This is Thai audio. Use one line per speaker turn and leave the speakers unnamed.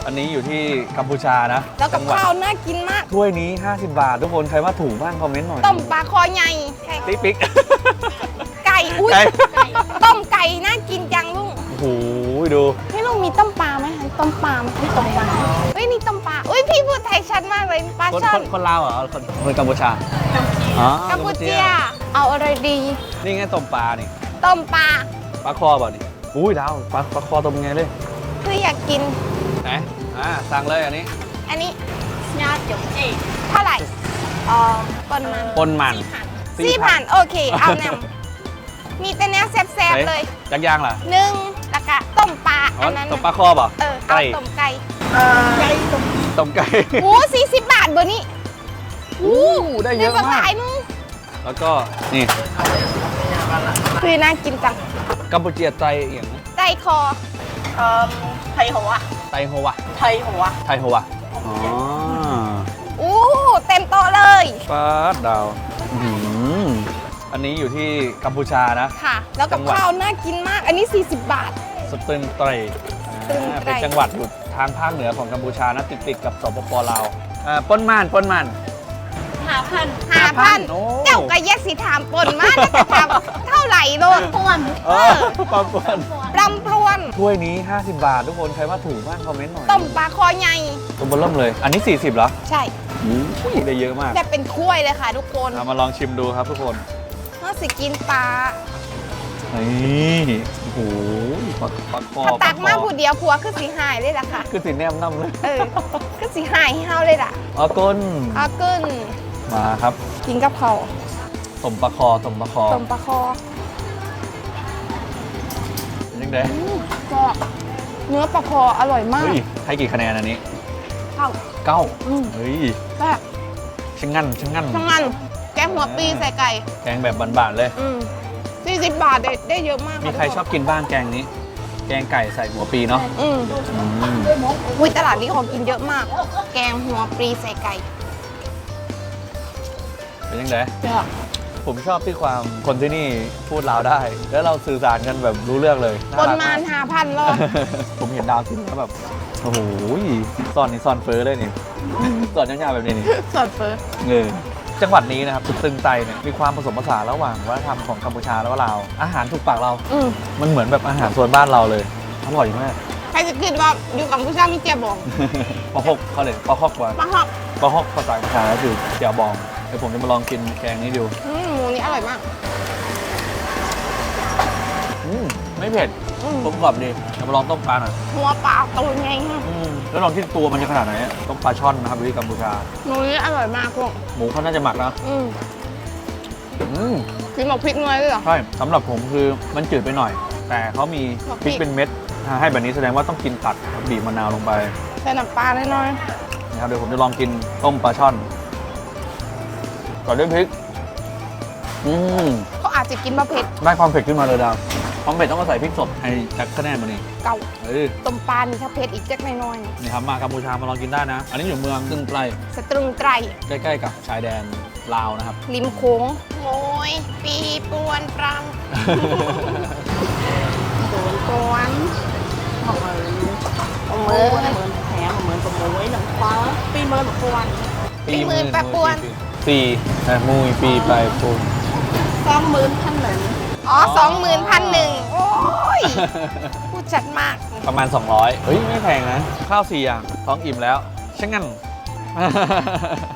อันนี้อยู่ที่กัมพูชานะ
แล้วกับข้าวน่ากินมาก
ถ้วยนี้50 บาททุกคนใครว่าถูกบ้างคอมเมนต์หน่อย
ต้มปลาคอใหญ่
ติ๊กปิ๊ก
ไก่อุ้ย
ไก่
ต้มไก่น่ากินจังลุง
โอ้โหดู
ให้ลุงมีต้มปลาไหมคะต้มปลาไหมต้มปลาเฮ้ยนี่ต้มปลาอุ้ยพี่พูดไทยชัดมากเลยปลาช่อน
คนลาวเหรอคนกัมพูชาอ๋อ
กัมพูเจียเอาอะไรดี
นี่ไงต้มปลานี่
ต้มปลา
ปลาคอเปล่านี่อุ้ยดาวปลาคอต้มยังไงเลย
คืออยากกิน
ไหนสั่งเลยอันนี้
อันนี้
ญาติหยงจี
เท่าไหร่ปนมัน
ปนมัน
4,000โอเค เอาแนวมีแต่เนี้ยแซ่บๆเลย
จักยางล่ะ
หนึ่งแล้วก็ต้มปลา
อ๋อ
อันนั้น
ต้มปลาคอเปล่า
เอา
ไก่
ต้มไก่
ไก่ตุ่ม
ต้มไก่
โอ้40 บาทเบอร์นี้
ได้เยอะ
ได้
มาก
หลายนึง
แล้วก็นี่
คือน่ากินจัง
กัมพูเชียไตอย่างนะ
ไก่คอ
ไทยหัว
ไตโฮวะ
ไทยหัว
ไทยโฮวะอ๋อ
อู้เต็มโต๊ะเลย
ปลาดาวอื้อหืออันนี้อยู่ที่กัมพูชานะ
ค่ะ แล้วกับ
จังหวัด
ข้าวน่ากินมาก อันนี้ 40 บาท
สตึงไตร
สตึงไตร
เป็นจังหวัดอยู่ทางภาคเหนือของกัมพูชานะติดกับสปปลาวปนมัน
5,000
โอ้
เจ้าก็แยกสีถามปนมากแล้วจะถามเท่าไหร่โลด
ป้วน
ปลาปน
รำปรวน
ถ้วยนี้ 50 บาท ทุกคนใครว่าถูกบ้างคอมเมนต์หน่อย
ต้มปลาคอใหญ่
ตัวเบนเริ่มเลย อันนี้ 40เหรอ
ใช่
อุ้ยได้เยอะมาก
แบบเป็นถ้วยเลยค่ะทุกคน
เอามาลองชิมดูครับทุกคน
น่าสิกินปลา
นี่โอ้โหปลาคอ
ถ้าตักมา
ปลคอ
ผู้เดียวผัวคือสีหายเลยล่ะค่ะ
คือสีแนมน้ำเลย
คือสีหายให้เฮาเลยล่ะ
อ๋อก้น
เอาขึ้น
มาครับ
กินกับเขาว
ต้มปลาคอต้มปลาคอ
ต้มปลาคอ
เป็นยังไง
ก็เนื้อปลาคออร่อยมาก
เฮ้ยให้กี่คะแนนอันนี้
เข้า
9
อืม
เฮ้ย
แบบ
ช่างงั้น
ทั้งนั้นแกงหัวปีใส่ไก่
แกงแบบบานๆเลย
40 บาทได้เยอะมาก
มีใครชอบกินบ้างแกงนี้ แกงไก่ใส่หัวปีเนาะ
อืม
อืม
อุ้ยตลาดนี้ของกินเยอะมาก แกงหัวปลีใส่ไก่
เป็นยังไง
เยอะ
ผมชอบที่ความคนที่นี่พูดลาวได้ แล้วเราสื่อสารกันแบบรู้เรื่องเลย
ปน
รัก
มาน5,000รอบ
ผมเห็นดาวกินแล้วแบบ โอ้โหซอนนี่ซอนเฟอเลยนี่ซอนยาวๆแบบนี้นี่
สดเฟอร์
จังหวัดนี้นะครับตึงไตเนี่ยมีความผสมผสานระหว่างวัฒนธรรมของกัมพูชาแล้วก็ลาวอาหารถูกปากเรา มันเหมือนแบบอาหารโซนบ้านเราเลยอร่อยมาก
ใครจะคิดว่าอยู่กับผู้ชายมีเจียบอง
ปลาฮกเขาเลยปลาฮกว่า
ปลาหอก
ปลาฮกภาษากัมพูชาก็คือเจียวบองเดี๋ยวผมจะมาลองกินแกงนี้ดู
หมูนี้อร่อยมาก
ไม่เผ็ด กลมกล่อมดีเดี๋ยวมาลองต้มปลาหน่อย
หัวปลาตัวไงฮะ
แล้วลองที่ตัวมันจะขนาดไหนอะต้มปลาช่อนนะครับอยู่ที่กัมพูชา
หมูนี้อร่อยมากพวก
หมูเขาน่าจะหมักนะ
กินหมกพริกน้อยเลยเหรอ
ใช่สำหรับผมคือมันจืดไปหน่อย แต่เขามีพริกเป็นเม็ดให้แบบนี้แสดงว่าต้องกินตัดบีบมะนาวลงไป
ใส่น้ำปลาน้อย
นะครับเดี๋ยวผมจะลองกินต้มปลาช่อนก่อนด้วยพริก
ๆเขาอาจจะกินมะเผ็ด
ได้ความเผ็ดขึ้นมาเลยดาวความเผ็ดต้องมาใส่พริกสดให้จักคะแนนมานี่
เก่า
เออ
ต้มปลานี่ถ้าเผ็ดอีกจักน้อย
นี่ครับมากัมพูชามาลองกินได้นะ อันนี้อยู่เมืองตึงไตร
ๆสตรึงไตร
ใกล้ๆกับชายแดนลาวนะครับ
ริมโค้งโมยปีปวนปรังปวน
เหมือนแถมเหมือนกับหมูไว้หนังฟ้าปีเมินแบบป้วน
ปีมือปลาปวน
ปีมุยปีไปปูน
20,000
อ๋อ20,001โอ้ยพูดชัดมาก
ประมาณ 200 เฮ้ย ไม่แพงนะ ข้าว4 อย่างท้องอิ่มแล้วช่างงั้น